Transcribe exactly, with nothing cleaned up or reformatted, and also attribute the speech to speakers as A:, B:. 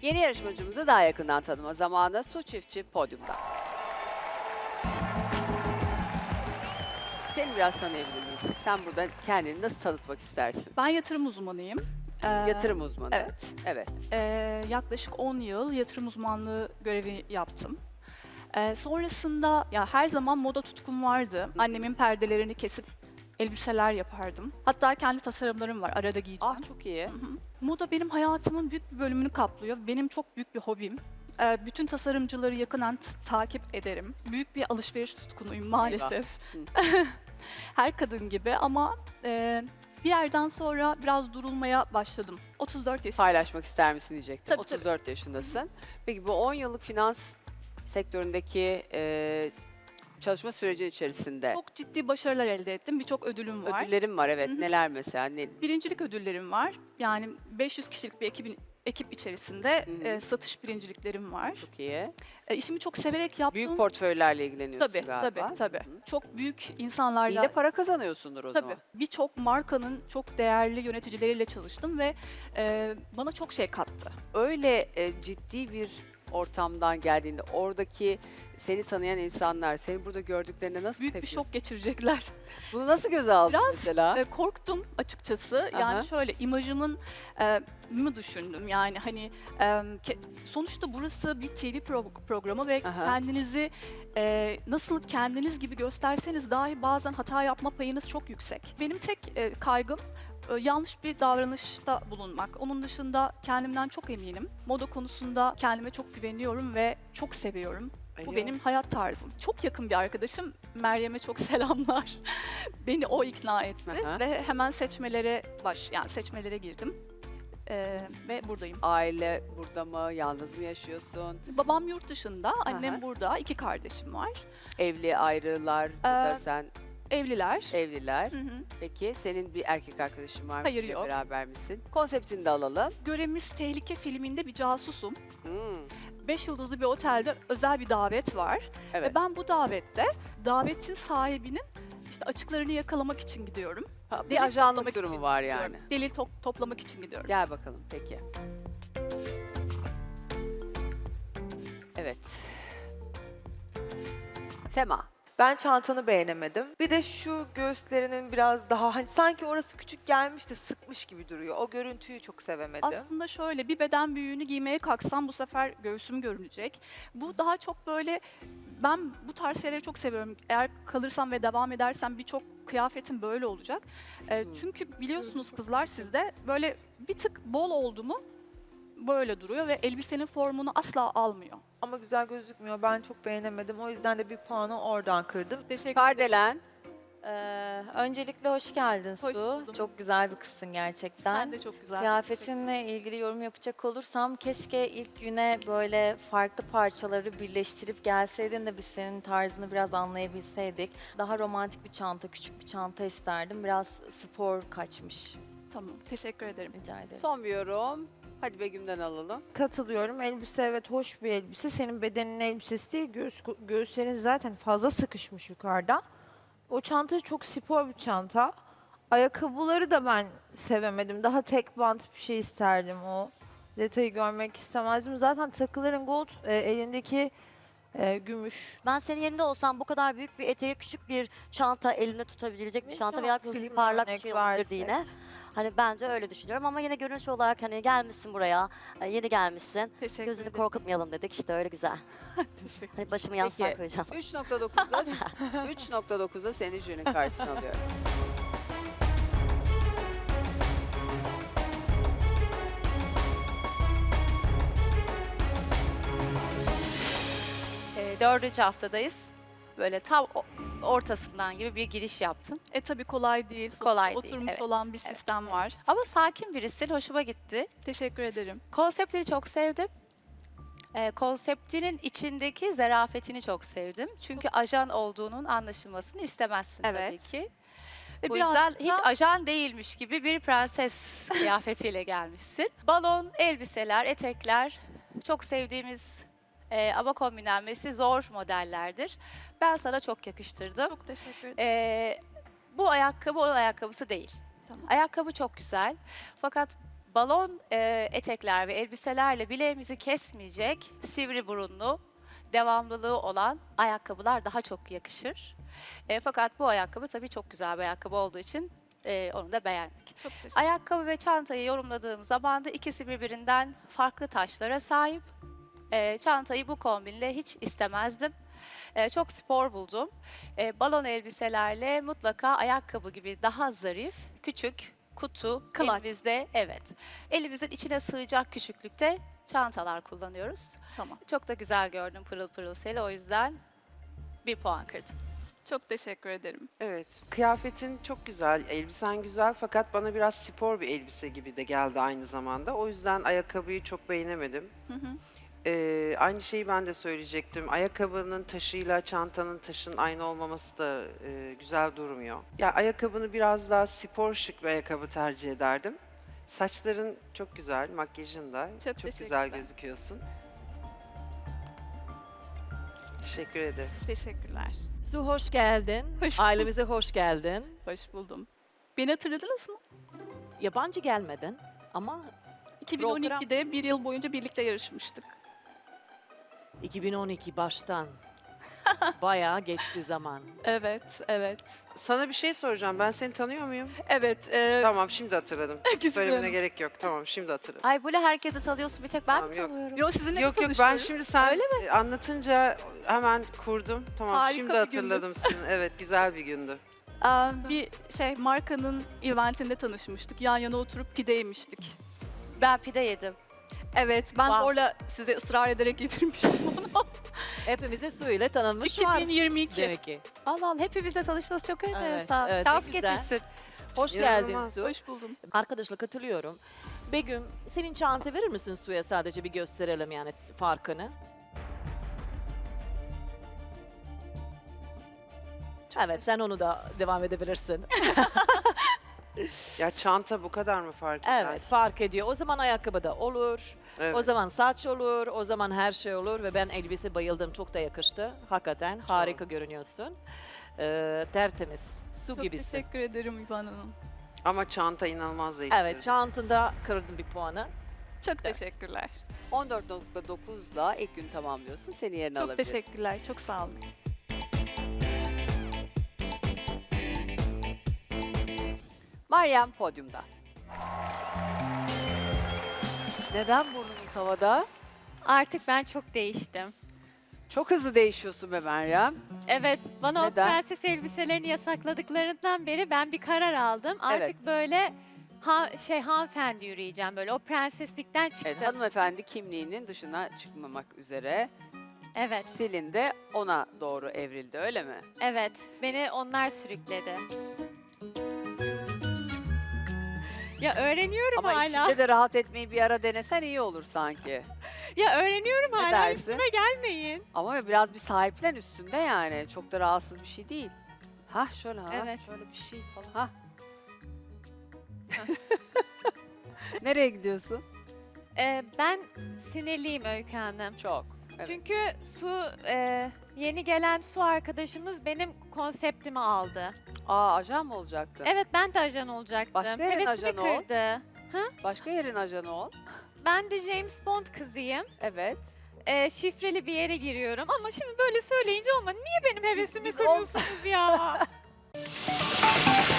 A: Yeni yarışmacımızı daha yakından tanıma zamanı. Su Çiftçi podyumda. Seni biraz tanıyabilir miyiz? Sen burada kendini nasıl tanıtmak istersin?
B: Ben yatırım uzmanıyım. Ee,
A: Yatırım uzmanı.
B: Evet.
A: Evet.
B: Ee, yaklaşık on yıl yatırım uzmanlığı görevi yaptım. Ee, sonrasında ya her zaman moda tutkum vardı. Annemin perdelerini kesip elbiseler yapardım. Hatta kendi tasarımlarım var, arada giyeceğim.
A: Ah çok iyi.
B: Hı hı. Moda benim hayatımın büyük bir bölümünü kaplıyor. Benim çok büyük bir hobim. Ee, bütün tasarımcıları yakından t- takip ederim. Büyük bir alışveriş tutkunuyum maalesef. Her kadın gibi ama e, bir yerden sonra biraz durulmaya başladım. otuz dört yaşındayım.
A: Paylaşmak ister misin diyecektim.
B: Tabii, tabii.
A: otuz dört yaşındasın. Peki bu on yıllık finans sektöründeki e, çalışma süreci içerisinde
B: Çok ciddi başarılar elde ettim. Birçok ödülüm var.
A: ödüllerim var. Evet.
B: Hı hı.
A: Neler mesela? Ne?
B: Birincilik ödüllerim var. Yani beş yüz kişilik bir ekibin ekip içerisinde
A: Hı hı.
B: e, satış birinciliklerim var.
A: Çok iyi.
B: E, işimi çok severek yaptım.
A: Büyük portföylerle ilgileniyorsun
B: Tabii,
A: galiba.
B: tabii, tabii.
A: Hı hı.
B: Çok büyük
A: İyi
B: insanlarla.
A: de para kazanıyorsundur o
B: Tabii.
A: zaman.
B: Birçok markanın çok değerli yöneticileriyle çalıştım ve e, bana çok şey kattı.
A: Öyle e, ciddi bir ortamdan geldiğinde oradaki seni tanıyan insanlar seni burada gördüklerinde nasıl
B: Büyük bir
A: tepki?
B: şok geçirecekler.
A: Bunu nasıl göze aldın
B: Biraz
A: mesela?
B: e, korktum açıkçası.
A: Aha.
B: Yani şöyle imajımın e, mı düşündüm. Yani hani e, ke- sonuçta burası bir T V pro- programı ve
A: Aha.
B: kendinizi e, nasıl kendiniz gibi gösterseniz dahi bazen hata yapma payınız çok yüksek. Benim tek e, kaygım e, yanlış bir davranışta bulunmak. Onun dışında kendimden çok eminim. Moda konusunda kendime çok güveniyorum ve çok seviyorum. Bu
A: Alo.
B: benim hayat tarzım. Çok yakın bir arkadaşım. Meryem'e çok selamlar. Beni o ikna etti
A: Aha.
B: ve hemen seçmelere baş yani seçmelere girdim. Ee, ve buradayım.
A: Aile burada mı? Yalnız mı yaşıyorsun?
B: Babam yurt dışında, annem
A: Aha.
B: burada. İki kardeşim var.
A: Evli, ayrılar, burada
B: Ee,
A: sen
B: Evliler.
A: evliler.
B: Hı hı.
A: Peki senin bir erkek arkadaşın var mı?
B: Hayır,
A: Biriyle
B: yok.
A: Beraber misin? Konseptini de alalım.
B: Görevimiz Tehlike filminde bir casusum.
A: Hmm,
B: Beş yıldızlı bir otelde özel bir davet var.
A: Evet.
B: Ve ben bu davette davetin sahibinin işte açıklarını yakalamak için gidiyorum.
A: Ha, bir
B: delil
A: ajanlık
B: toplamak
A: durumu
B: için
A: var
B: gidiyorum.
A: yani.
B: Delil to- toplamak için gidiyorum.
A: Gel bakalım peki. Evet. Sema.
C: Ben çantanı beğenemedim. Bir de şu göğüslerinin biraz daha hani sanki orası küçük gelmiş de sıkmış gibi duruyor. O görüntüyü çok sevemedim.
B: Aslında şöyle bir beden büyüğünü giymeye kalksam bu sefer göğsüm görünecek. Bu daha çok böyle ben bu tarz şeyleri çok seviyorum. Eğer kalırsam ve devam edersem birçok kıyafetim böyle olacak. Ee,
A: Hmm.
B: çünkü biliyorsunuz kızlar sizde böyle bir tık bol oldu mu böyle duruyor ve elbisenin formunu asla almıyor.
C: Ama güzel gözükmüyor. Ben çok beğenemedim. O yüzden de bir puanı oradan kırdım.
B: Teşekkür ederim.
A: Kardelen.
D: Ee, öncelikle hoş geldin
B: Hoş
D: Su.
B: buldum.
D: Çok güzel bir kızsın gerçekten.
B: Sen de çok güzel.
D: Kıyafetinle ilgili yorum yapacak olursam keşke ilk güne böyle farklı parçaları birleştirip gelseydin de biz senin tarzını biraz anlayabilseydik. Daha romantik bir çanta, küçük bir çanta isterdim. Biraz spor kaçmış.
B: Tamam. Teşekkür ederim.
D: Rica ederim.
A: Son bir yorum. Hadi Begüm'den alalım.
E: Katılıyorum. Elbise evet hoş bir elbise. Senin bedenin elbisesi değil. Göğüs, göğüslerin zaten fazla sıkışmış yukarıda. O çanta çok spor bir çanta. Ayakkabıları da ben sevemedim. Daha tek bant bir şey isterdim o. Detayı görmek istemezdim. Zaten takıların gold, e, elindeki e, gümüş.
F: Ben senin yerinde olsam bu kadar büyük bir eteği küçük bir çanta elinde tutabilecek bir
E: Ne
F: çanta veya
E: şanslısın
F: film parlak bir
E: örnek
F: şey olabilirdi
E: versek.
F: yine. Hani bence öyle düşünüyorum ama yine görünüş olarak hani gelmişsin buraya, e, yeni gelmişsin.
B: Teşekkür
F: Gözünü
B: ederim.
F: korkutmayalım dedik işte öyle güzel.
B: Teşekkür
F: Hani başımı yastığa
A: Peki.
F: koyacağım.
A: üç nokta dokuzda üç nokta dokuzda seni jürinin karşısına alıyorum.
G: E, dördüncü haftadayız. Böyle tam o- ortasından gibi bir giriş yaptın.
B: E tabii kolay değil.
G: Kolay değil,
B: Oturmuş
G: evet.
B: olan bir
G: Evet,
B: sistem var.
G: Ama sakin birisin, hoşuma gitti.
B: Teşekkür ederim.
G: Konseptleri çok sevdim. E, konseptinin içindeki zarafetini çok sevdim. Çünkü ajan olduğunun anlaşılmasını istemezsin
B: Evet.
G: tabii ki.
B: Ve
G: Bu
B: biraz
G: yüzden
B: da-
G: hiç ajan değilmiş gibi bir prenses kıyafetiyle gelmişsin. Balon, elbiseler, etekler çok sevdiğimiz e, ama kombinlenmesi zor modellerdir. Ben sana çok yakıştırdım.
B: Çok teşekkür ederim.
G: E, bu ayakkabı onun ayakkabısı değil.
B: Tamam.
G: Ayakkabı çok güzel. Fakat balon e, etekler ve elbiselerle bileğimizi kesmeyecek sivri burunlu, devamlılığı olan ayakkabılar daha çok yakışır. E, fakat bu ayakkabı tabii çok güzel bir ayakkabı olduğu için e, onu da beğendik.
B: Çok teşekkür
G: Ayakkabı ve çantayı yorumladığım zaman da ikisi birbirinden farklı taşlara sahip. E, çantayı bu kombinle hiç istemezdim. E, çok spor buldum. E, balon elbiselerle mutlaka ayakkabı gibi daha zarif, küçük, kutu,
B: Clutch.
G: elimizde evet. Elimizin içine sığacak küçüklükte çantalar kullanıyoruz.
B: Tamam.
G: Çok da güzel gördüm pırıl pırıl seni, o yüzden bir puan kırdım.
B: Çok teşekkür ederim.
H: Evet. Kıyafetin çok güzel, elbisen güzel fakat bana biraz spor bir elbise gibi de geldi aynı zamanda. O yüzden ayakkabıyı çok beğenemedim.
B: Hı hı.
H: Ee, aynı şeyi ben de söyleyecektim. Ayakkabının taşıyla çantanın taşın aynı olmaması da e, güzel durmuyor. Ya ayakkabını biraz daha spor şık bir ayakkabı tercih ederdim. Saçların çok güzel, makyajın da
B: Çok
H: çok güzel
B: teşekkürler.
H: gözüküyorsun. Teşekkür ederim.
B: Teşekkürler.
I: Su hoş geldin.
B: Hoş bulduk.
I: Ailemize hoş geldin.
B: Hoş buldum. Beni hatırladınız mı?
I: Yabancı gelmedin ama
B: iki bin on ikide bir yıl boyunca birlikte yarışmıştık.
I: iki bin on iki baştan bayağı geçti zaman.
B: Evet, evet.
H: Sana bir şey soracağım. Ben seni tanıyor muyum?
B: Evet. E,
H: Tamam, şimdi hatırladım.
B: Güzel
H: Söylemene
B: Hanım.
H: gerek yok. Tamam, şimdi hatırladım.
G: Ay böyle herkesi tanıyorsun, bir tek ben
H: Tamam,
G: mi
H: yok.
G: tanıyorum?
B: Yo, sizinle mi
H: Yok yok ben
B: tanışıyoruz?
H: şimdi sen
B: Öyle
H: e, anlatınca hemen kurdum. Tamam
B: Harika
H: şimdi
B: bir gündü.
H: hatırladım seni. Evet güzel bir gündü.
B: Aa, bir şey markanın eventinde tanışmıştık. Yan yana oturup pide yemiştik.
G: Ben pide yedim.
B: Evet, ben
G: Wow.
B: orada size ısrar ederek getirmiştim onu.
I: Hepimize su ile tanınmış var
B: iki bin yirmi iki.
I: demek ki.
G: Allah Allah, hepimizle tanışması çok enteresan.
I: evet,
G: Şans
I: ne güzel.
G: getirsin.
I: Hoş
H: İnanılmaz.
I: geldin Su.
B: Hoş buldum.
I: Arkadaşla katılıyorum. Begüm senin çanta verir misin Su'ya, sadece bir gösterelim yani farkını. Evet, sen onu da devam edebilirsin.
H: Ya çanta bu kadar mı fark eder?
I: Evet, fark ediyor. O zaman ayakkabı da olur.
H: Evet.
I: O zaman saç olur, o zaman her şey olur ve ben elbise bayıldım. Çok da yakıştı. Hakikaten harika görünüyorsun. Ee, tertemiz, su
B: Çok
I: gibisin.
B: teşekkür ederim İvan Hanım.
H: Ama çanta inanılmaz değişti.
I: Evet, çantında kırdın bir puanı.
B: Çok teşekkürler.
A: on dört nokta dokuzla ilk gün tamamlıyorsun. Seni yerine
B: Çok
A: alabilirim.
B: teşekkürler. Çok sağ olun.
A: Meryem podyumda. Neden burnunuz havada?
J: Artık ben çok değiştim.
A: Çok hızlı değişiyorsun be Meryem.
J: Evet, bana
A: Neden?
J: o prenses elbiselerini yasakladıklarından beri ben bir karar aldım. Artık
A: Evet.
J: böyle ha, şey hanımefendi yürüyeceğim, böyle o prenseslikten çıktım.
A: Evet, hanımefendi kimliğinin dışına çıkmamak üzere.
J: evet,
A: Selin de ona doğru evrildi, öyle mi?
J: evet. Beni onlar sürükledi. Ya öğreniyorum
A: Ama
J: hala.
A: içinde de rahat etmeyi bir ara denesen iyi olur sanki.
J: Ya öğreniyorum
A: Ne
J: hala.
A: dersin?
J: Üstüme gelmeyin.
A: Ama biraz bir sahiplen üstünde yani. Çok da rahatsız bir şey değil. Hah şöyle ha.
J: Evet.
A: Şöyle bir şey falan. Hah. Nereye gidiyorsun?
J: Ee, ben sinirliyim Öykü Hanım.
A: Çok. Evet.
J: Çünkü su e, yeni gelen su arkadaşımız benim konseptimi aldı.
A: Aa, ajan mı olacaktı?
J: Evet, ben de ajan olacaktım.
A: Başka yerin
J: Hevesimi
A: ajanı ol.
J: kırdı.
A: Başka yerin ajanı ol.
J: Ben de James Bond kızıyım.
A: Evet.
J: Ee, şifreli bir yere giriyorum ama şimdi böyle söyleyince olma. Niye benim hevesimi
A: biz ol-
J: kırıyorsunuz ya?